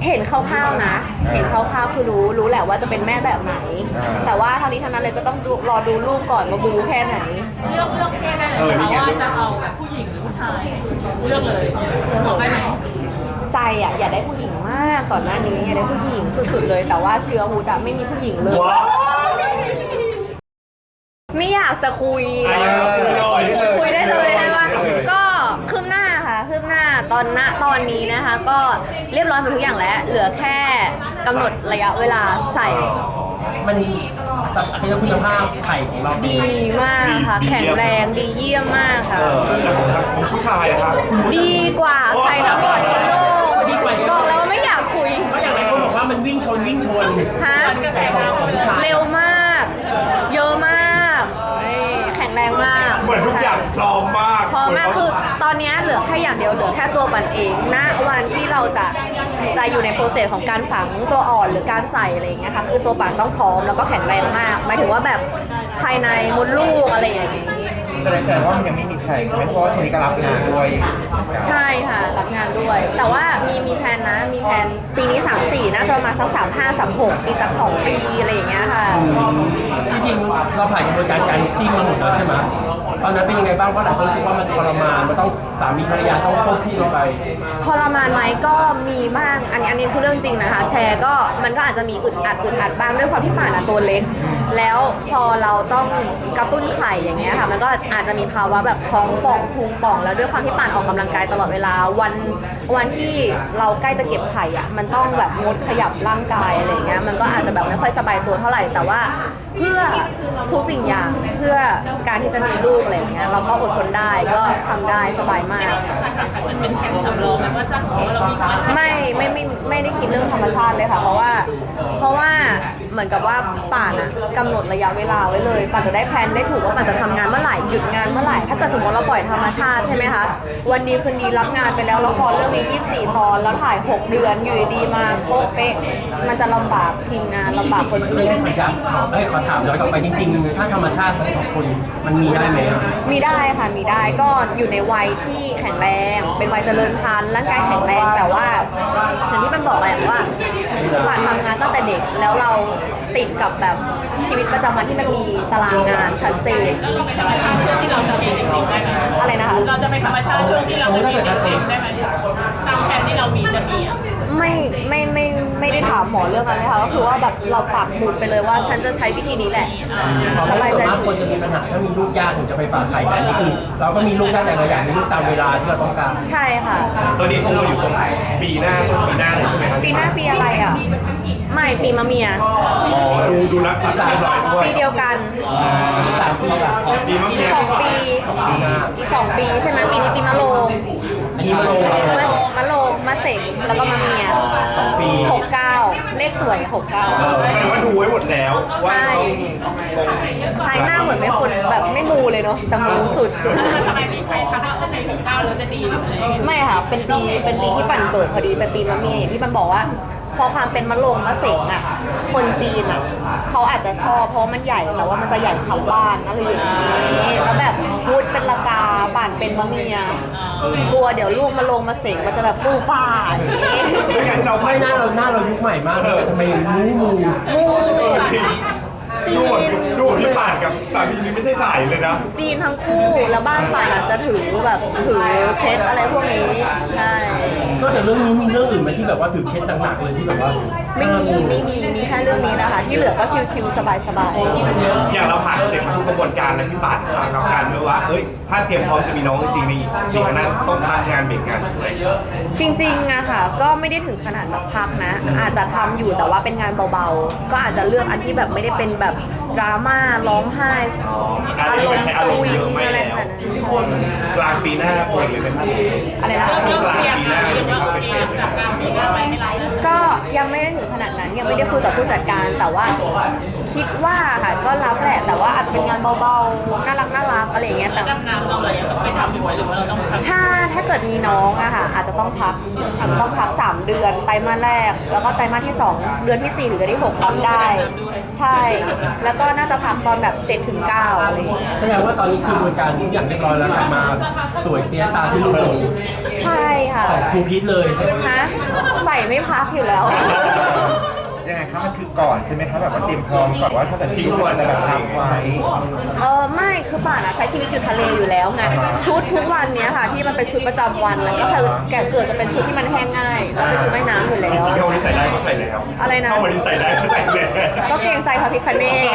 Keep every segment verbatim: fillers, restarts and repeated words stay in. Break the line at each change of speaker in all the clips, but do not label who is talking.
เห็นคร่าวๆนะ เห็นคร่าวๆคือรู้รู้แหละว่าจะเป็นแม่แบบไหน แต่ว่าทางนี้ทางนั้นเลยก็ต้องดูรอดูลูกก่อนว่าบูแค่ไหน
เลือกเลือกแค่ได้เลยเพราะว่าจะเอาแบบผู้หญิงหรือผู้ชายเลือกเลยบอกได้ไหม
ใจอ่ะอยากได้ผู้หญิงมากก่อนหน้านี้อยากได้ผู้หญิงสุดๆเลยแต่ว่าเชื้อฮูดอะไม่มีผู้หญิงเลยไม่อยากจะคุยคุยได้เลยใช่ปะก็คืบหน้าค่ะคืบหน้าตอนณตอนนี้นะคะก็เรียบร้อยหมดทุกอย่างแล้วเหลือแค่กำหนดระยะเวลาใส่
มันสักคุณภาพไข่ของเรา
ดีมากค่ะแข็งแรงดีเยี่ยมมากค่ะ
ของผู้ชายอะครับ
ดีกว่าใครทั้งหมดในโลกบอกแล้วไม่อยากคุย
ก็อย่างไรคนบอกว่ามันวิ่งชนวิ่งชน
ฮะเร็วมากเยอะมากแข็งแรงมาก
เหมือนทุกอย่างพร้อมมาก
พร้อมมากคือตอนนี้เหลือแค่อย่างเดียวเหลือแค่ตัวปันเองณวันที่เราจะจะอยู่ในโปรเซสของการฝังตัวอ่อนหรือการใส่อะไรอย่างเงี้ยค่ะคือตัวปันต้องพร้อมแล้วก็แข็งแรงมากหมายถึงว่าแบบภายในมดลูกอะไรอย่างนี้
แสดงว่ามันยังไม่มีแผนใช่ไหมเพราะว่าช่วงนี้ก็รับงานด้วย
ใช่ค่ะรับงานด้วยแต่ว่ามีมีแผนนะมีแผนปีนี้สามสี่น่าจะประมาณสักสามห้าสามหกอีกสักสองปีอะไรอย่างเงี้ยค่ะ
จริงๆเราผ่านกระบวนการการจิ้มมาหมดแล้วใช่ไหมตอนนั้นเป็นยังไงบ้างเพราะหลายคนรู้สึกว่ามันทรมานมันต้องสามีภรรยาต้องควบคู่กันไป
ทรมานไหมก็มีบ้างอันนี้อันนี้คือเรื่องจริงนะคะแชร์ก็มันก็อาจจะมีอึดอัดอึดอัดบ้างด้วยความที่ป่านอะตัวเล็กแล้วพอเราต้องกระตุ้นไข่อย่างเงี้ยค่ะมันก็อาจจะมีภาวะแบบท้องป่องพุงป่องแล้วด้วยความที่ป่านออกกำลังกายตลอดเวลาวันวันที่เราใกล้จะเก็บไข่อะมันต้องแบบงดขยับร่างกายอะไรเงี้ยมันก็อาจจะแบบไม่ค่อยสบายตัวเท่าไหร่แต่ว่าเพื่อทุกสิ่งอย่างเพื่อการที่จะมีลูกอะไรเงี้ยเราก็อดทนได้ก็ทำได้สบายมาก
มันเป็นแผนสำรองไหมว่าจะขอเรามีธรรมชาติ
ไม่ไม่ไม่ไม่ได้คิดเรื่องธรรมชาติเลยค่ะเพราะว่าเพราะว่าเหมือนกับว่าป่านอะกำหนดระยะเวลาไว้เลยป่านจะได้แพลนได้ถูกว่าป่านจะทำงานเมื่อไหร่หยุดงานเมื่อไหร่ถ้าเกิดสมมติเราปล่อยธรรมชาติใช่ไหมคะวันดีคืนดีรับงานไปแล้วละครเรื่องนี้ยี่สิบสี่ตอนแล้วถ่ายหกเดือนอยู่ดีมาโป๊ะเป๊ะมันจะลำบากทีมงานลำบากคนอื่น
ขอย้ำขอให้ขอถามย้อนกลับไปจริงๆถ้าธรรมชาติทั้งสองคนมันมีได้ไหม
มีได้ค่ะมีได้ก็อยู่ในวัยที่แข็งแรงเป็นวัยเจริญพันธุ์ร่างกายแข็งแรงแต่ว่าอย่างที่มันบอกแหละว่าคือป่านทำงานตั้งแต่เด็กแล้วเราติดกับแบบชีวิตประจำวันที่มันมีตารางงานชัดเจน
ที่เราจะมีเองได้ไหม
อะไรนะคะ
เราจะไปธรรมชาติช่วงที่เราจะมีเองได้ไหมตามแผนที่เรามีจะมีอ่ะ
ไม่ไม่ไม่ไม่ได้ถามหมอเรื่องนั้นเลยค่ะก็คือว่าแบบเราปักหมุดไปเลยว่าฉันจะใช้วิธีนี้แหละ
สบายใจคนจะมีปัญหาถ้ามีลูกยากถึงจะไปฝากไข่แต่นี่คือเราก็มีลูกยากแต่เราอยากมีลูกตามเวลาที่เราต้องการ
ใช่ค่ะ
ตอนนี้เขาอยู่ตรงปีหน้าปีหน้าเลยใช่ไหมครับ
ปีหน้าปีอะไรอ่ะไม่ปีมะเมีย
อ๋อดูดูรักษาเรียบร้อยด้วย
ปีเดียวกัน
อีกสามปีละ
ปีมะเมีย
สองปีอีกสองปีใช่ไหมปีนี้ปีมะโรง
อันนี้มะโรง
มะโรงมะเสงแล้วก็มะเมีย
สองปี
หกเก้าเลขสวยหกเก้า
แสดงว่าดูไว้หมดแล้วว่าต้อง
ใช่หน้าเหมือนไม่คนแบบไม่มูเลยเนาะแต่มูสุด
ทำไมมีใครทักว่าในหกเก้าเราจะดีหรืออะไร
ไม่ค่ะเป็นปีเป็นปีที่ปั่นเกิดพอดีเป็นปีมะเมียอย่างที่มันบอกว่าพอความเป็นมะโรงมะเสงอ่ะคนจีนอ่ะเขาอาจจะชอบเพราะมันใหญ่แต่ว่ามันจะใหญ่ขับบ้านอะไรอย่างนี้แล้วแบบพูดเป็นละกาป่านเป็นมะเมียกลัวเดี๋ยวลูกมาลงมาเสงมันจะแบบฟูฟ้าอย่างนี้
ไม่งั้นเรา
ไม่หน้าเราหน้าเรายุคใหม่มากเลยทำไมมูมู
มู
ดูดูพี่ป่านกับสามีนี่ไม่ใช่สายเลยนะ
จีนทั้งคู่แล้วบ้านป่านอาจจะถือแบบถือเคสอะไรพวกนี้ใช่
นอกจากเรื่องนี้มีเรื่องอื่นไหมที่แบบว่าถือเคสหนักๆเลยที่แบบว่า
ไม่มีไม่มีมีแค่เรื่องนี้นะคะที่เหลือก็ชิวๆสบายๆ
อย่างเราผ่านเจ็บทุกกระบวนการแล้วพี่ป่านเราการเมื่อว่าเอ้ยถ้าเตรียมพร้อมจะมีน้องจริงๆในปีข้างหน้าต้องพักงานเบรกงานช่วย
จริงๆอะค่ะก็ไม่ได้ถึงขนาดแบบพักนะอาจจะทำอยู่แต่ว่าเป็นงานเบาๆก็อาจจะเลือกอันที่แบบไม่ได้เป็นแบบดราม่าร้องไห้
อารมณ์สวิงอะไรแบบนั้นกลางปีหน้าป่วยเลยเป็น
อะไรนะ
ช่วงกลางปีหน้าเลยเป็นเป็น
ก็ยังไม่ได้ถึงขนาดนั้นยังไม่ได้คุยกับผู้จัดการแต่ว่าคิดว่าค่ะก็รับแหละแต่ว่าอาจจะเป็นงานเบาๆน่ารักน่ารักอะไรอย่างเงี้ยแต่
ดำน้ำเราอะไรยังต้องไปทำอยู่ไหมหรือว่าเราต้องทำ
ถ้าถ้าเกิดมีน้องอะค่ะอาจจะต้องพักอาจจะต้องพักสามเดือนไตรมาสแรก แล้วก็ไตรมาสที่สองเดือนที่สี่หรือเดือนที่หกรับได้ ใช่ แล้วก็น่าจะพักตอนแบบเจ็ดถึงเก้าอะไรอย่างเงี้ย
แสดงว่าตอนนี้คือบริการทุกอย่างเรียบร้อยแล้วกลับมาสวยเสียตาที่ลูกลง
ใช่ค่ะ
แต่ครูพีทเลย
ฮะใส่ไม่พักอยู่แล้ว
ยังไงครับมันคือก่อนใช่ไหมครับแบบว่าเตรียมพร้อมก่อนว่าถ้าเกิดทิ้งควรจะแบบพักไว้
เออไม่คือป่านอะใช้ชีวิตอยู่ทะเลอยู่แล้วไงชุดทุกวันเนี้ยค่ะ ที่มันเป็นชุดประจำวันมันก็คือแก่เกิดจะเป็นชุดที่มันแห้งง่ายแล้วเป็นชุดว่ายน้ำอยู่แล้
จ
ว
ริงๆถ้าวันนี้ใส่ได้ก็ใส่เลยครับ
อะไรนะ
ถ้าวันนี้ใส่ได้ก็ใส่เลย
ก็เกรงใจพระพิคเนศ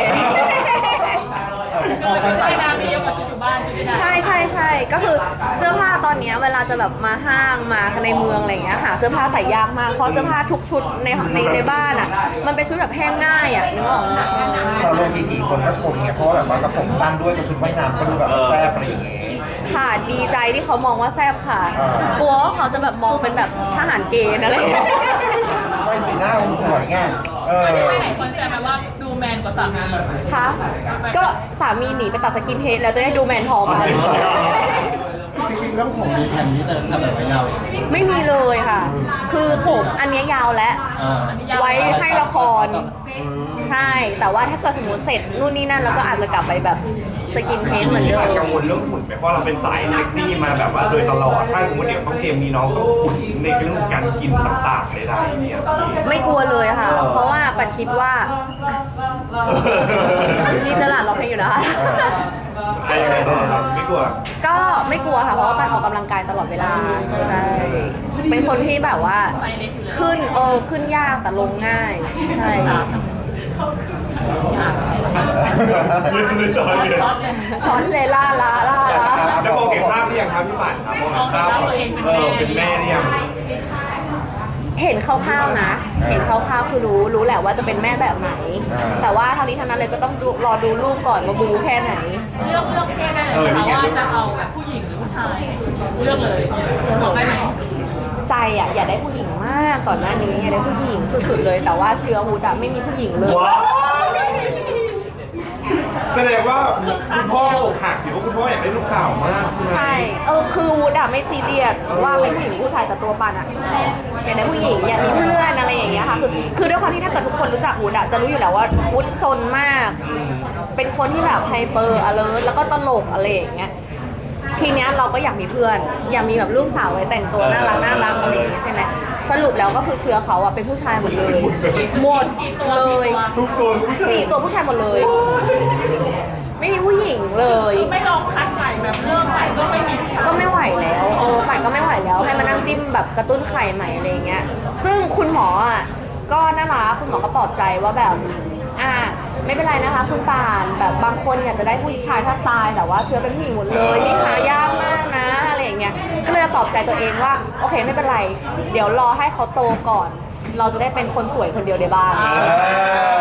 พอเขา
ใส่
ใส่
น้ำมีเยอะกว่าชุดอยู่บ้านชุดไม่ได้
ใช่ใช่ใช่ก็คือเสื้อผ้าตอนเนี้ยเวลาจะแบบมาห้างมาในเมืองอะไรอย่างเงี้ยหาเสื้อผ้าใส่ยากมากเพราะเสื้อผ้าทุกชุดในในในบ้านอ่ะมันเป็นชุดแบบแห้งง่ายอ่ะนึกออกไหม
พอลงทีทีคนก็ชมไงเพราะว่าแบบว่ากระผมสั้นด้วยกับชุดว่ายน้ำก็ดูแบบแซ่บอะไรอย่างเงี้ย
ค่ะดีใจที่เขามองว่าแซ่บค่ะ
อ่า
กลัวว่าเขาจะแบบมองเป็นแบบทหารเกณฑ์อะไรอย่างเงี้ย
ไม่สีหน้ามันสวยไงเออ
ไม่ได้หลายคนแซวมาว่าดูแมนกว่าสามี
ค่ะก็สามีหนีไปตัดสกินเฮดแล้วจะได้ดูแมนพอมา
จริงๆแล้วผมมีแผ่นนี้แต่ทำแบบไว้ยาว
ไม่มีเลยค่ะ คือผมอันเนี้ยยาวแล้ว ไว้ให้ละคร ใช่ แต่ว่าถ้าเกิดสมมติเสร็จนู่นนี่นั่นแล้วก็อาจจะกลับไปแบบสกินเฮดเหมือนเดิ
พี่
ม
กังวลเรื่องหุ่นไหมเพราะเราเป็นสายเซ็กซี่มาแบบว่าโดยตลอด ถ้าสมมติเดี๋ยวต้องเตรียมมีน้องต้องหุ่นในเรื่องของการกินต่างๆใดๆเนี่ยพี่
ไม่กลัวเลยค่ะ เพราะว่าปันคิดว่ามีจลาดร้องเพลงอยู่นะคะ
ไอ้ไอ้ไม่กลัว
ก็ไม่กลัวค่ะ เพราะว่าปันออกกำลังกายตลอดเวลา ใช่ เป็นคนที่แบบว่า ขึ้นเออขึ้นยากแต่ลงง่าย ใช่ค่ะ
ลืมลืมตอนเลย
ช้อนเลล่าลาล่าลา
แล้วมองเห็นภาพหรือยังครับพี่ป่านครับมองเห็นภาพเออเป็นแม่หรือยัง
เห็นคร่าวๆนะ เห็นคร่าวๆคือรู้ รู้แหละว่าจะเป็นแม่แบบไหน แต่ว่าทางนี้ทางนั้นเลยก็ต้องดูรอดูรูปก่อนว่าบูแค่ไหน
เลือกเลือกแค่ได้เลยนะคะว่าจะเอาแบบผู้หญิงหรือผู้ชายเลือกเลยบอกได้ไหม
ใจอ่ะอยากได้ผู้หญิงมากก่อนหน้านี้อยากได้ผู้หญิงสุดๆเลย แต่ว่าเชื้อฮูดอะไม่มีผู้หญิงเลย
ว้าวแสดงว่าคุณพ่ออกหักหรือว่าคุณพ่ออยากได้ลูกสาวมากใช่ไหม
ใช่ เออคือวูดอะไม่ซีเรียสว่าเป็นผู้หญิงหรือผู้ชายแต่ตัวปันอะอยากได้ผู้หญิงอยากมีเพื่อนอะไรอย่างเงี้ยค่ะคือคือด้วยความที่ถ้าเกิดทุกคนรู้จักวูดอะจะรู้อยู่แล้วว่าวูดซนมาก เป็นคนที่แบบไฮเปอร์อเลิร์แล้วก็ตลกอะไรอย่างเงี้ยทีเนี้ยเราก็อยากมีเพื่อน อยากมีแบบลูกสาวไว้แต่งตัวน่ารักน่ารักอะไรอย่างเงี้ยใช่ไหมสรุปแล้วก็คือเชื้อเขาอะเป็นผู้ชายหมดเลยหมดเลย
ทุกตัวผู้ชาย
สี่ตัวผู้ชายหมดเลย ไม่มีผู้หญิงเลย
ไม่ลองคัดใหม่แบบเริ่มใหม่ก็ไม่มีผู้ชาย
ก็ไม่ไหวแล้วเออฝ่ายก็ไม่ไหวแล้วให้มานั่งจิ้มแบบกระตุ้นไข่ใหม่อะไรอย่างเงี้ย ซึ่งคุณหมออ่ะก็น่ารักคุณหมอก็ปลอบใจว่าแบบอ่าไม่เป็นไรนะคะคุณป่านแบบบางคนอยากจะได้ผู้ชายถ้าตายแต่ว่าเชื้อเป็นผู้หญิงหมดเลยนี่หายากมากนะอะไรอย่างเงี้ยก็เลยปลอบใจตัวเองว่าโอเคไม่เป็นไร เดี๋ยวรอให้เขาโตก่อน เราจะได้เป็นคนสวยคนเดียวในบ้าน
เออ